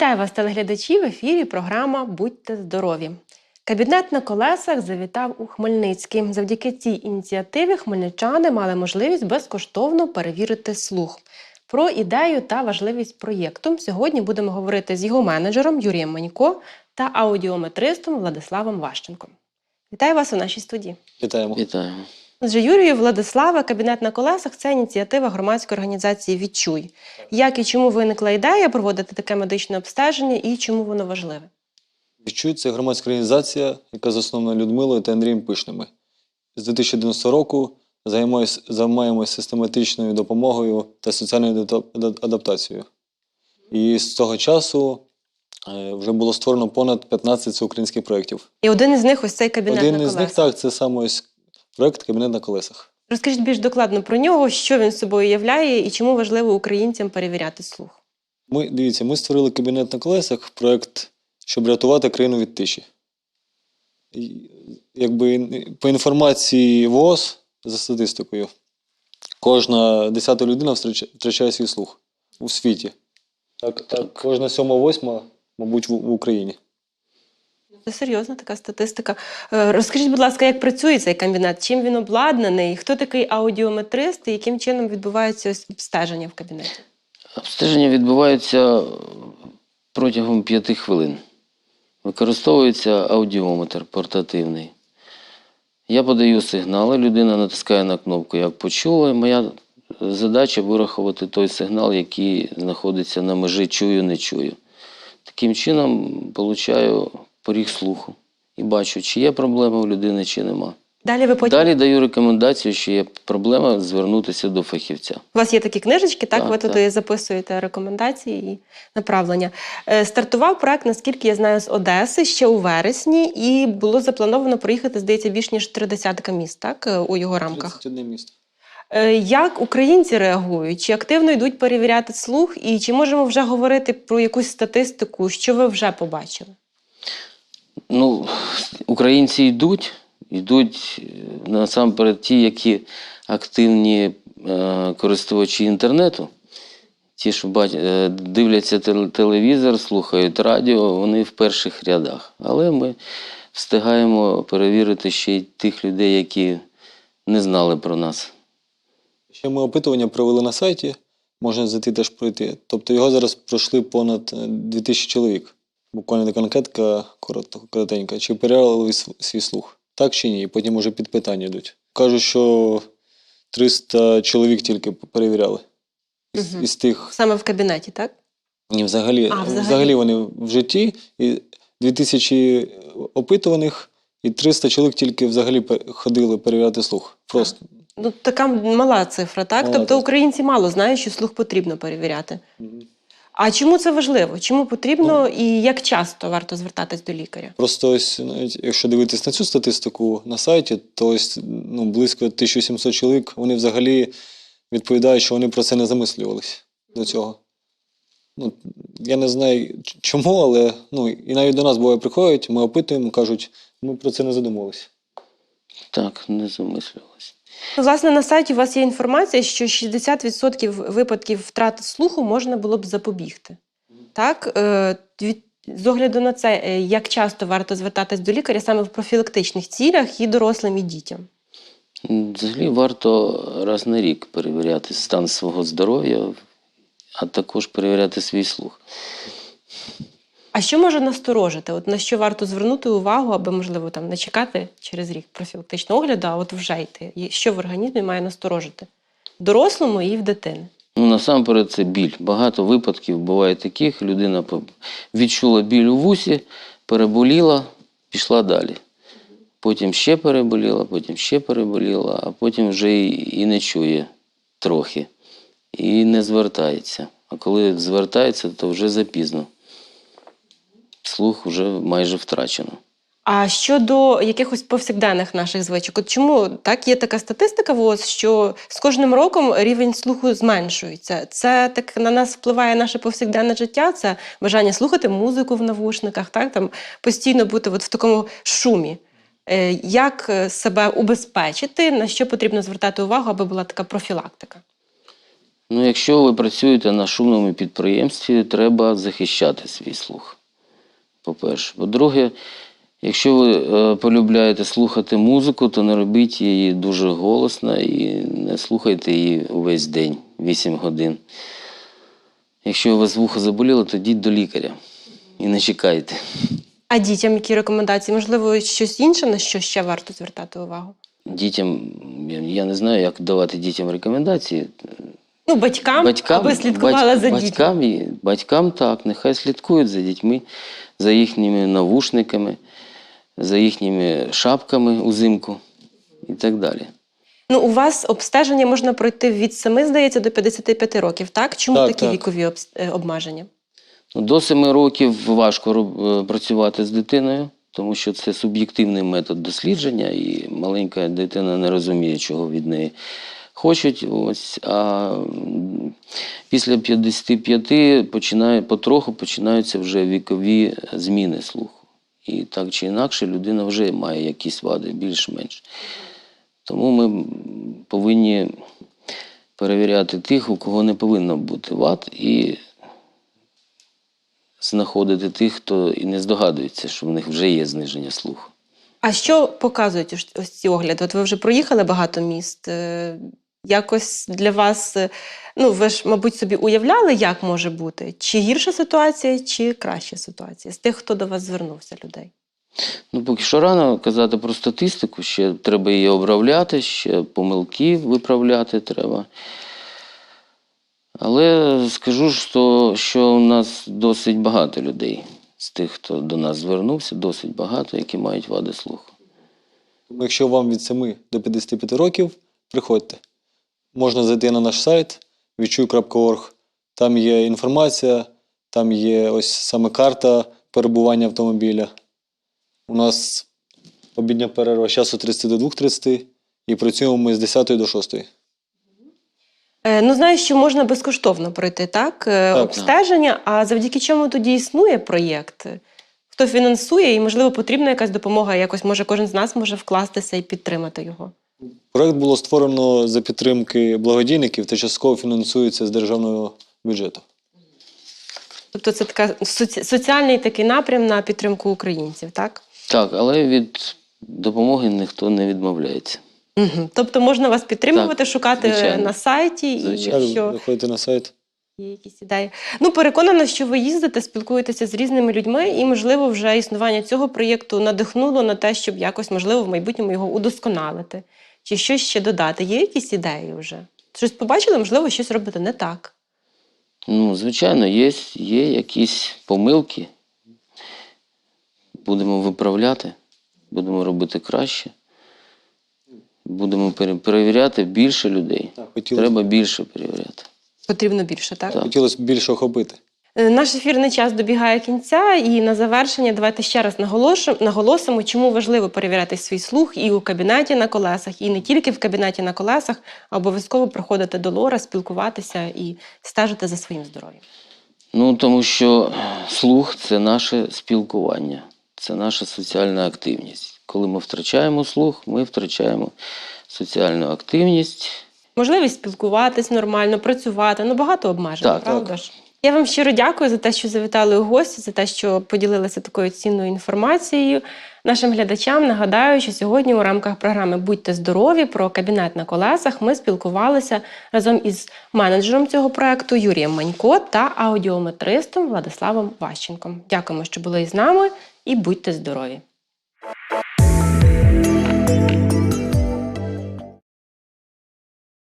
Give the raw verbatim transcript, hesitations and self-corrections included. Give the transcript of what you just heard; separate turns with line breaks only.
Вітаю вас, телеглядачі! В ефірі програма «Будьте здорові». Кабінет на колесах завітав у Хмельницький. Завдяки цій ініціативі хмельничани мали можливість безкоштовно перевірити слух. Про ідею та важливість проєкту сьогодні будемо говорити з його менеджером Юрієм Манько та аудіометристом Владиславом Ващенком. Вітаю вас у нашій студії.
Вітаємо.
Вітаємо.
Отже, Юрію, Владислава, кабінет на колесах – це ініціатива громадської організації «Відчуй». Як і чому виникла ідея проводити таке медичне обстеження і чому воно важливе?
«Відчуй» – це громадська організація, яка заснована Людмилою та Андрієм Пишними. З дві тисячі одинадцятого року займаємося систематичною допомогою та соціальною адаптацією. І з того часу вже було створено понад п'ятнадцять всеукраїнських проєктів.
І один із них ось цей кабінет
один
на колесах.
Один із них, так, це саме ось проєкт «Кабінет на колесах».
Розкажіть більш докладно про нього, що він собою являє і чому важливо українцям перевіряти слух.
Ми, дивіться, ми створили «Кабінет на колесах» проєкт, щоб рятувати країну від тиші. І, якби, по інформації ВООЗ, за статистикою, кожна десята людина втрачає свій слух у світі. Так, так, кожна сьома-восьма, мабуть, в, в Україні.
Це серйозна така статистика. Розкажіть, будь ласка, як працює цей кабінет? Чим він обладнаний? Хто такий аудіометрист і яким чином відбувається ось обстеження в кабінеті?
Обстеження відбувається протягом п'яти хвилин. Використовується аудіометр портативний. Я подаю сигнали, людина натискає на кнопку «Як почула». Моя задача – вирахувати той сигнал, який знаходиться на межі «чую-не чую». Таким чином, получаю поріг слуху і бачу, чи є проблема у людини, чи нема.
Далі ви потім...
Далі даю рекомендацію, що є проблема, звернутися до фахівця.
У вас є такі книжечки, так?
Так,
ви
так.
туди записуєте рекомендації і направлення. Стартував проект, наскільки я знаю, з Одеси ще у вересні, і було заплановано проїхати, здається, більш ніж три десятка міст, так, у його рамках.
тридцять одне місто.
Як українці реагують? Чи активно йдуть перевіряти слух? І чи можемо вже говорити про якусь статистику, що ви вже побачили?
Ну, українці йдуть, йдуть насамперед ті, які активні е, користувачі інтернету, ті, що бач, е, дивляться телевізор, слухають радіо, вони в перших рядах. Але ми встигаємо перевірити ще й тих людей, які не знали про нас.
Ще ми опитування провели на сайті, можна зайти теж пройти. Тобто його зараз пройшли понад дві тисячі чоловік. Буквально така анкетка коротенька. Чи перевіряли свій слух? Так чи ні? І потім вже під питання йдуть. Кажуть, що триста чоловік тільки перевіряли. Із,
Угу.
із тих...
Саме в кабінеті, так?
Ні, взагалі,
а, взагалі.
взагалі вони в житті. І дві тисячі опитуваних, і триста чоловік тільки взагалі ходили перевіряти слух. Просто.
Ну, така мала цифра, так?
Мала
тобто
цифра.
Українці мало знають, що слух потрібно перевіряти.
Угу.
А чому це важливо? Чому потрібно ну, і як часто варто звертатись до лікаря?
Просто ось, навіть, якщо дивитись на цю статистику на сайті, то ось, ну, близько тисяча сімсот чоловік, вони взагалі відповідають, що вони про це не замислювались до цього. Ну, я не знаю чому, але ну, і навіть до нас буває приходять, ми опитуємо, кажуть, ми про це не задумувалися.
Так, не замислювалися.
Ну, власне, на сайті у вас є інформація, що шістдесят відсотків випадків втрати слуху можна було б запобігти. Так? З огляду на це, як часто варто звертатись до лікаря саме в профілактичних цілях і дорослим, і дітям?
Взагалі варто раз на рік перевіряти стан свого здоров'я, а також перевіряти свій слух.
А що може насторожити? От на що варто звернути увагу, аби, можливо, там, не чекати через рік профілактичного огляду, а от вже йти? І що в організмі має насторожити? В дорослому і в дитини?
Ну, насамперед це біль. Багато випадків буває таких. Людина відчула біль у вусі, переболіла, пішла далі. Потім ще переболіла, потім ще переболіла, а потім вже і, і не чує трохи. І не звертається. А коли звертається, то вже запізно. Слух вже майже втрачено.
А щодо якихось повсякденних наших звичок, от чому так є така статистика ВООЗ, що з кожним роком рівень слуху зменшується? Це так на нас впливає наше повсякденне життя, це бажання слухати музику в навушниках, так, там постійно бути от в такому шумі. Як себе убезпечити, на що потрібно звертати увагу, аби була така профілактика?
Ну, якщо ви працюєте на шумному підприємстві, треба захищати свій слух. По-перше. По-друге, якщо ви е, полюбляєте слухати музику, то не робіть її дуже голосно і не слухайте її увесь день, вісім годин. Якщо у вас вухо заболіло, то йдіть до лікаря і не чекайте.
А дітям які рекомендації? Можливо, щось інше, на що ще варто звертати увагу?
Дітям, я- я не знаю, як давати дітям рекомендації.
Ну, батькам, аби слідкували
бать-
за дітьми.
батькам, і- батькам так, нехай слідкують за дітьми, за їхніми навушниками, за їхніми шапками узимку і так далі.
Ну, у вас обстеження можна пройти від семи, здається, до п'ятдесяти п'яти років, так? Чому
Так,
такі
так.
вікові обс- е, обмеження?
Ну, до семи років важко роб- е, працювати з дитиною, тому що це суб'єктивний метод дослідження, і маленька дитина не розуміє, чого від неї хочуть. Ось, а м, після п'ятдесяти п'яти починає, потроху починаються вже вікові зміни слуху. І так чи інакше людина вже має якісь вади, більш-менш. Тому ми м, повинні перевіряти тих, у кого не повинно бути вад, і знаходити тих, хто і не здогадується, що в них вже є зниження слуху.
А що показують ось- ось ці огляди? От ви вже проїхали багато міст. е, Якось для вас, е, ну ви ж, мабуть, собі уявляли, як може бути? Чи гірша ситуація, чи краща ситуація з тих, хто до вас звернувся, людей?
Ну, поки що рано казати про статистику, ще треба її обравляти, ще помилки виправляти треба. Але скажу, що, що у нас досить багато людей з тих, хто до нас звернувся, досить багато, які мають вади слуху.
Тому якщо вам від семи до п'ятдесяти п'яти років, приходьте. Можна зайти на наш сайт відчуй крапка орг. Там є інформація, там є ось саме карта перебування автомобіля. У нас обідня перерва з часу тридцяти до двох тридцяти і працюємо ми з десятої до шостої.
Е, Ну, знаю, що можна безкоштовно пройти, так? Е,
Так.
Обстеження, а завдяки чому тоді існує проєкт? Хто фінансує і, можливо, потрібна якась допомога, якось, може, кожен з нас може вкластися і підтримати його?
Проект було створено за підтримки благодійників та частково фінансується з державного бюджету.
Тобто це така соці- соціальний такий напрям на підтримку українців, так?
Так, але від допомоги ніхто не відмовляється.
Угу. Тобто можна вас підтримувати,
Так,
шукати
звичайно.
на сайті, і
Звичайно.
якщо
Заходите на сайт.
є якісь ідеї. Ну, переконана, що ви їздите, спілкуєтеся з різними людьми, і, можливо, вже існування цього проєкту надихнуло на те, щоб якось, можливо, в майбутньому його удосконалити. Чи щось ще додати. Є якісь ідеї вже? Щось побачили, можливо, щось робити не так.
Ну, звичайно, є, є якісь помилки. Будемо виправляти, будемо робити краще. Будемо пере- перевіряти більше людей.
Так, хотілося,
Треба більше перевіряти.
Потрібно більше, так?
Так.
хотілося б більше охопити.
Е, Наш ефірний час добігає кінця, і на завершення давайте ще раз наголошуємо, наголосимо, чому важливо перевіряти свій слух і у кабінеті на колесах, і не тільки в кабінеті на колесах, а обов'язково приходити до лора, спілкуватися і стежити за своїм здоров'ям.
Ну, тому що слух – це наше спілкування, це наша соціальна активність. Коли ми втрачаємо слух, ми втрачаємо соціальну активність.
Можливість спілкуватись нормально, працювати, ну багато обмежень,
Так,
правда
так.
ж? Я вам щиро дякую за те, що завітали у гості, за те, що поділилися такою цінною інформацією. Нашим глядачам нагадаю, що сьогодні у рамках програми «Будьте здорові» про кабінет на колесах ми спілкувалися разом із менеджером цього проекту Юрієм Манько та аудіометристом Владиславом Ващенком. Дякуємо, що були із нами, і будьте здорові!